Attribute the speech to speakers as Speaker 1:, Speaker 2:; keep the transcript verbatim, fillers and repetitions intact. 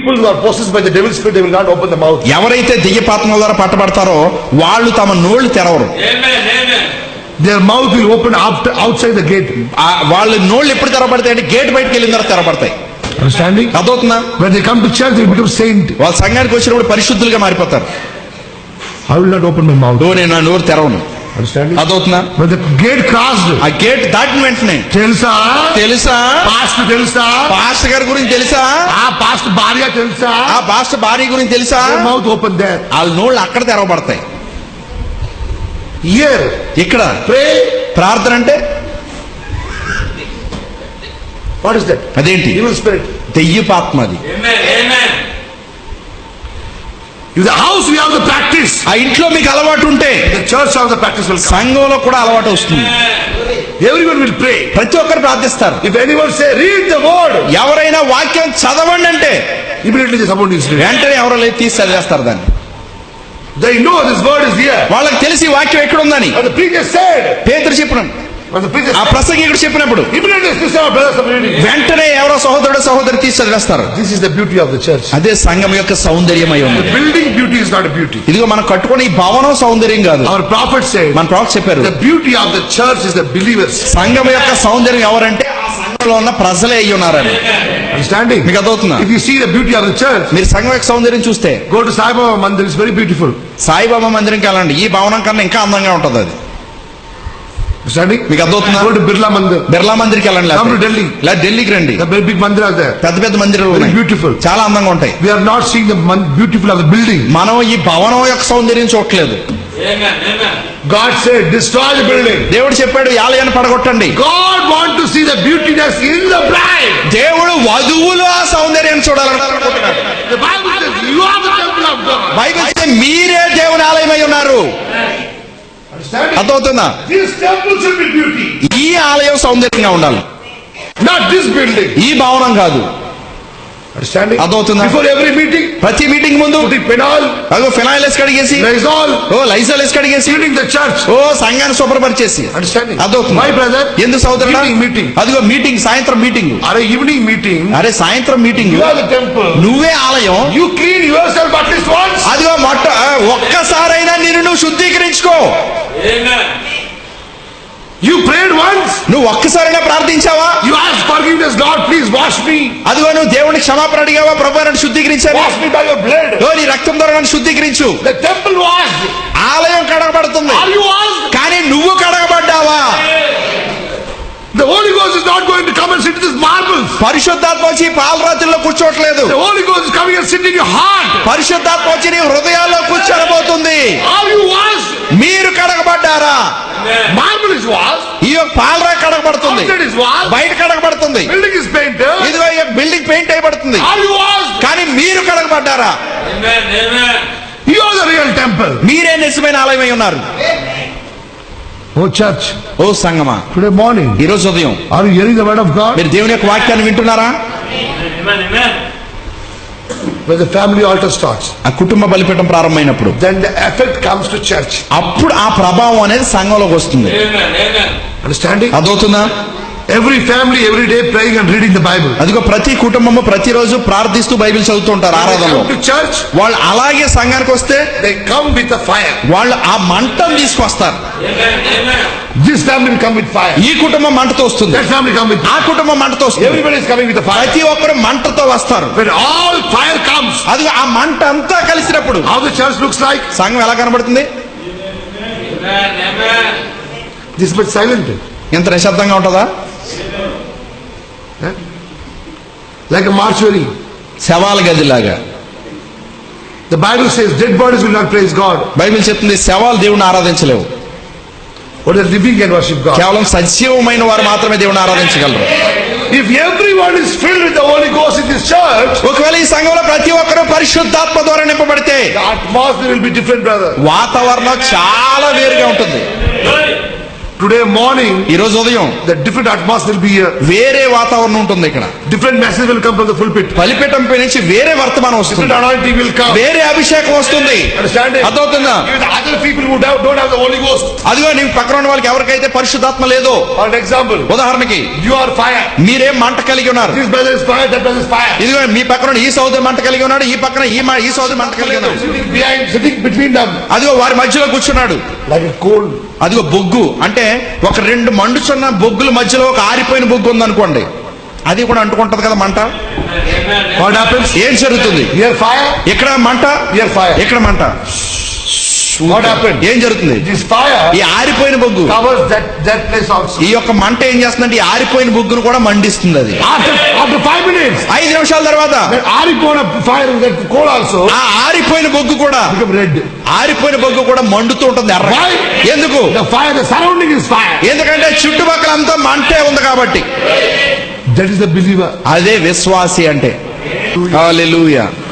Speaker 1: people who are possessed by the devil's spirit, they will not open the mouth.
Speaker 2: ఎవరైతే దెయ్యపాత్మల ద్వారా పట్టబడతారో వాళ్ళు తమ నోళ్లు తెరవరు.
Speaker 1: Their mouth will open after outside the gate.
Speaker 2: వాళ్ళ నోళ్లు ఎప్పుడు తెరవబడతాయి అంటే గేట్ బయటకు వెళ్ళిన తర్వాత తెరవబడతాయి.
Speaker 1: Understanding?
Speaker 2: అదవుతుందా?
Speaker 1: When they come to church, they become saint.
Speaker 2: వాళ్ళ సంఘానికి వచ్చినప్పుడు పరిశుద్ధులుగా మారిపోతారు.
Speaker 1: I will not open my mouth.
Speaker 2: ఓ నేను నా నోరు తెరవను.
Speaker 1: Understanding?
Speaker 2: అదవుతుందా?
Speaker 1: When the gate crossed,
Speaker 2: ఆ గేట్ దాటిన వెంటనే
Speaker 1: తెలుసా
Speaker 2: తెలుసా
Speaker 1: పాస్టర్ తెలుసా
Speaker 2: పాస్టర్ గారి గురించి తెలుసా,
Speaker 1: ఆ పాస్టర్ భార్య తెలుసా,
Speaker 2: ఆ పాస్టర్ భార్య గురించి తెలుసా,
Speaker 1: మౌత్ ఓపెన్ దేర్.
Speaker 2: వాళ్ళ నోళ్ళు అక్కడ తెరవబడతాయి.
Speaker 1: Here,
Speaker 2: ఇక్కడ
Speaker 1: pray.
Speaker 2: ప్రార్థన అంటే
Speaker 1: What is that?
Speaker 2: అదేంటి?
Speaker 1: Evil spirit.
Speaker 2: దెయ్యపాత్మ. అది
Speaker 1: In the house we have the practice.
Speaker 2: ఆ ఇంట్లో మీకు అలవాటు ఉంటే
Speaker 1: The church house the practice will come.
Speaker 2: సంఘంలో కూడా అలవాటు వస్తుంది.
Speaker 1: Everyone will pray.
Speaker 2: ప్రతి ఒక్కరు ప్రార్థిస్తారు.
Speaker 1: If anyone say read the word,
Speaker 2: ఎవరైనా వాక్యం చదవండి అంటే
Speaker 1: immediately the someone is read.
Speaker 2: వెంటనే ఎవరో లేదు తీసి చదివేస్తారు దాన్ని.
Speaker 1: They know this word is here.
Speaker 2: వాళ్ళకి తెలిసి వాక్యం ఎక్కడ ఉందని.
Speaker 1: And the preacher said,
Speaker 2: పేతురు చెప్పినాడు,
Speaker 1: when the preacher
Speaker 2: ఆ
Speaker 1: said,
Speaker 2: ప్రసంగికుడు చెప్పినప్పుడు
Speaker 1: immediately sister or brothers are reading.
Speaker 2: వెంటనే ఎవరో సహోదరుడు సహోదరి తీసి చదివేస్తారు.
Speaker 1: This is the beauty of the church.
Speaker 2: అదే సంఘం యొక్క సౌందర్యమై ఉంది.
Speaker 1: The building beauty is not a beauty.
Speaker 2: ఇదిగో మనం కట్టుకునే ఈ భవనం సౌందర్యం కాదు.
Speaker 1: Our prophet said,
Speaker 2: మన ప్రవక్త చెప్పారు,
Speaker 1: the beauty of the church is the believers.
Speaker 2: సంఘం యొక్క సౌందర్యం ఎవరంటే ఆ సంఘంలో ఉన్న ప్రజలే అయ్యి ఉన్నారని.
Speaker 1: Understanding?
Speaker 2: మీకు అదవుతుందా?
Speaker 1: If you see the beauty of the church,
Speaker 2: మీరు సంఘం యొక్క సౌందర్యం చూస్తే
Speaker 1: go to Sai Baba Mandir, it's very beautiful.
Speaker 2: Saibaba మందిరంకి వెళ్ళండి, ఈ భవనం కన్నా ఇంకా అందంగా ఉంటది అది.
Speaker 1: Understanding?
Speaker 2: మీకు అర్థమవుతుందా?
Speaker 1: Go to Birla Mandir.
Speaker 2: Birla మందిర్కి వెళ్ళండి,
Speaker 1: Come to Delhi.
Speaker 2: లేదా ఢిల్లీకి రండి.
Speaker 1: The very big mandiras there.
Speaker 2: పెద్ద పెద్ద మందిరాలు
Speaker 1: Very
Speaker 2: ఉన్నాయి,
Speaker 1: beautiful.
Speaker 2: చాలా అందంగా ఉంటాయి.
Speaker 1: We are not seeing the man- beautiful of the building.
Speaker 2: మనం ఈ భవనం యొక్క సౌందర్యం చూడట్లేదు.
Speaker 1: God said, destroy the building.
Speaker 2: దేవుడు చెప్పాడు ఈ ఆలయాన్ని పడగొట్టండి.
Speaker 1: God want to see the beautiness in the bride.
Speaker 2: దేవుడు వధువులో ఆ సౌందర్యాన్ని చూడాలనుకుంటున్నాడు.
Speaker 1: The Bible says, you are the temple of God.
Speaker 2: Bible చెప్తే మీరే దేవుని ఆలయమై ఉన్నారు.
Speaker 1: Understanding?
Speaker 2: అర్థమవుతుందా?
Speaker 1: This temple should be beauty.
Speaker 2: ఈ ఆలయం సౌందర్యంగా ఉండాలి,
Speaker 1: Not this building.
Speaker 2: ఈ భవనం కాదు.
Speaker 1: Understanding?
Speaker 2: అర్థమవుతుందా?
Speaker 1: Before every meeting,
Speaker 2: ప్రతి మీటింగ్ ముందు
Speaker 1: putting penal,
Speaker 2: అదో ఫినాయిల్ వేసి కడిగేసి,
Speaker 1: Lysol,
Speaker 2: ఓ లైజాల్ వేసి కడిగేసి,
Speaker 1: cleaning the church.
Speaker 2: ఓ సంఘాన్ని శుభ్రపరిచేసి.
Speaker 1: Understanding?
Speaker 2: అర్థమవుతుందా?
Speaker 1: Why, brother?
Speaker 2: ఎందుకు సోదరుడా?
Speaker 1: Evening meeting.
Speaker 2: అదిగో మీటింగ్, సాయంత్రం మీటింగ్.
Speaker 1: Are evening meeting?
Speaker 2: అరే సాయంత్రం meeting,
Speaker 1: You are the temple.
Speaker 2: నువ్వే ఆలయం.
Speaker 1: You clean yourself at least once.
Speaker 2: అదిగో మొట్ట ఒక్కసారైనా నిన్ను నువ్వు శుద్ధీకరించుకో.
Speaker 1: You prayed once.
Speaker 2: నువ్వు ఒక్కసారైనా ప్రార్థించావా?
Speaker 1: You asked forgiveness, Lord, please wash me.
Speaker 2: అదిగో నువ్వు దేవునికి క్షమాపణ అడిగావా? ప్రభు నన్ను శుద్ధీకరించాను,
Speaker 1: Wash me by your blood.
Speaker 2: ఓ నీ రక్తం ద్వారా నన్ను శుద్ధీకరించు.
Speaker 1: The temple washed.
Speaker 2: ఆలయం కడగబడుతుంది,
Speaker 1: Are you washed?
Speaker 2: కానీ నువ్వు కడగబడ్డావా?
Speaker 1: The Holy Ghost is not going to come and sit in this marbles.
Speaker 2: పరిశుద్ధాత్మ వచ్చి పాలరాత్రిలో కూర్చోట్లేదు.
Speaker 1: The Holy Ghost is coming and sitting in your heart.
Speaker 2: పరిశుద్ధాత్మ వచ్చి నీ హృదయాల్లో కూర్చోబోతుంది.
Speaker 1: Are you washed?
Speaker 2: మీరు కడగబడ్డారా?
Speaker 1: Marble is washed.
Speaker 2: ఈ యొక్క పాలరా కడగబడుతుంది,
Speaker 1: Outside is washed.
Speaker 2: బయట కడగబడుతుంది.
Speaker 1: Building is painted.
Speaker 2: ఇదిగో ఈ బిల్డింగ్ పెయింట్ అయిపడుతుంది,
Speaker 1: Are you washed?
Speaker 2: కానీ మీరు కడగబడ్డారా?
Speaker 1: You are the real temple.
Speaker 2: మీరే నిజమైన ఆలయమై ఉన్నారు.
Speaker 1: Oh church,
Speaker 2: ఓ సంగమా,
Speaker 1: today morning,
Speaker 2: ఈ రోజు ఉదయం
Speaker 1: are you hearing the word of God?
Speaker 2: మీరు దేవుని యొక్క వాక్యాన్ని వింటున్నారా?
Speaker 1: When the family altar starts,
Speaker 2: ఆ కుటుంబ బలిపీఠం ప్రారంభమైనప్పుడు
Speaker 1: then the effect comes to church.
Speaker 2: అప్పుడు ఆ ప్రభావం అనేది సంఘంలోకి వస్తుంది.
Speaker 1: Understanding?
Speaker 2: అదవుతుందా?
Speaker 1: Every family every day praying and reading the Bible.
Speaker 2: అదిగో ప్రతి కుటుంబము ప్రతిరోజు ప్రార్థిస్తూ బైబిల్ చదువుతుంటారు
Speaker 1: When they
Speaker 2: ఆరాధనలో.
Speaker 1: come to church,
Speaker 2: వాళ్ళు అలాగే సంఘానికి వస్తే
Speaker 1: they come with a fire.
Speaker 2: వాళ్ళు ఆ మంటను తీసుకొస్తారు.
Speaker 1: This family will come with fire.
Speaker 2: ఈ కుటుంబం మంటతో వస్తుంది,
Speaker 1: That family come with
Speaker 2: ఆ
Speaker 1: fire.
Speaker 2: కుటుంబం మంటతో వస్తుంది.
Speaker 1: Everybody is coming with the fire.
Speaker 2: ప్రతి ఒక్కరు మంటతో వస్తారు.
Speaker 1: When all fire comes,
Speaker 2: అది ఆ మంట అంతా కలిసినప్పుడు
Speaker 1: how the church looks like?
Speaker 2: సంఘం ఎలా కనబడుతుంది?
Speaker 1: This much silent.
Speaker 2: ఎంత నిశ్శబ్దంగా ఉంటుందా?
Speaker 1: Like a mortuary.
Speaker 2: శవాల గదిలాగా.
Speaker 1: The Bible says dead bodies will not praise God.
Speaker 2: Bible చెప్తుంది శవాలు దేవుని ఆరాధించలేవు,
Speaker 1: But the living can worship God.
Speaker 2: కేవలం సజీవమైన వారు మాత్రమే దేవుని ఆరాధించగలరు.
Speaker 1: If everyone is filled with the Holy Ghost in this church,
Speaker 2: ఒకవేళ ఈ సంఘంలో ప్రతి ఒక్కరూ పరిశుద్ధాత్మ ద్వారా నింపబడితే
Speaker 1: the atmosphere will be different, brother.
Speaker 2: వాతావరణం చాలా వేరుగా ఉంటుంది.
Speaker 1: Today morning,
Speaker 2: ఈ రోజు ఉదయం
Speaker 1: the different atmosphere will be here.
Speaker 2: వేరే వాతావరణం ఉంటుంది ఇక్కడ.
Speaker 1: Different message will come from the pulpit.
Speaker 2: బలిపీఠంపై నుంచి వేరే వర్తమానం
Speaker 1: Different
Speaker 2: వస్తుంది,
Speaker 1: anointing will come.
Speaker 2: వేరే అభిషేకం వస్తుంది.
Speaker 1: Understand it?
Speaker 2: అర్థమవుతుందా?
Speaker 1: Even the other people who don't don't have the Holy Ghost.
Speaker 2: అదిగో నీకు పక్కన ఉన్న వాళ్ళకి ఎవరికైతే పరిశుద్ధాత్మ లేదో,
Speaker 1: For an example,
Speaker 2: ఉదాహరణకి
Speaker 1: you are fire.
Speaker 2: మీరే మంట కలిగి ఉన్నారు.
Speaker 1: This brother is fire, that brother is fire.
Speaker 2: ఇదిగో మీ పక్కన ఉన్న ఈ సోదరు మంట కలిగి ఉన్నాడు, ఈ పక్కన ఈ మ- ఈ సోదరు మంట కలిగి ఉన్నాడు.
Speaker 1: Sitting behind, sitting between them,
Speaker 2: అదిగో వారి మధ్యలో కూర్చున్నాడు.
Speaker 1: like a coal.
Speaker 2: అదిగో బొగ్గు అంటే ఒక రెండు మండుచున్న బొగ్గుల మధ్యలో ఒక ఆరిపోయిన బొగ్గు ఉంది అనుకోండి, అది కూడా అంటుకుంటది కదా మంట.
Speaker 1: What happens?
Speaker 2: ఏం జరుగుతుంది?
Speaker 1: Here fire,
Speaker 2: ఇక్కడ మంట,
Speaker 1: here fire.
Speaker 2: ఇక్కడ మంట.
Speaker 1: What happened?
Speaker 2: ఏం జరుగుతుంది?
Speaker 1: This fire
Speaker 2: ఈ ఆరిపోయిన బొగ్గు,
Speaker 1: covers that that place also.
Speaker 2: ఈ యొక్క మంట ఏం చేస్తుందంటే ఈ ఆరిపోయిన బొగ్గును కూడా మండిస్తుంది. అది
Speaker 1: After after five minutes,
Speaker 2: ఐదు నిమిషాల తర్వాత
Speaker 1: that aripona fire, that coal also
Speaker 2: ఆ ఆరిపోయిన బొగ్గు కూడా
Speaker 1: become red.
Speaker 2: ఆరిపోయిన బొగ్గు కూడా మండుతూ ఉంటుంది ఎర్రగా.
Speaker 1: Why?
Speaker 2: ఎందుకు?
Speaker 1: The fire, the surrounding is fire.
Speaker 2: ఎందుకంటే చుట్టుపక్కల అంతా మంటే ఉంది కాబట్టి.
Speaker 1: That is the believer.
Speaker 2: అదే విశ్వాసి అంటే. హల్లెలూయా.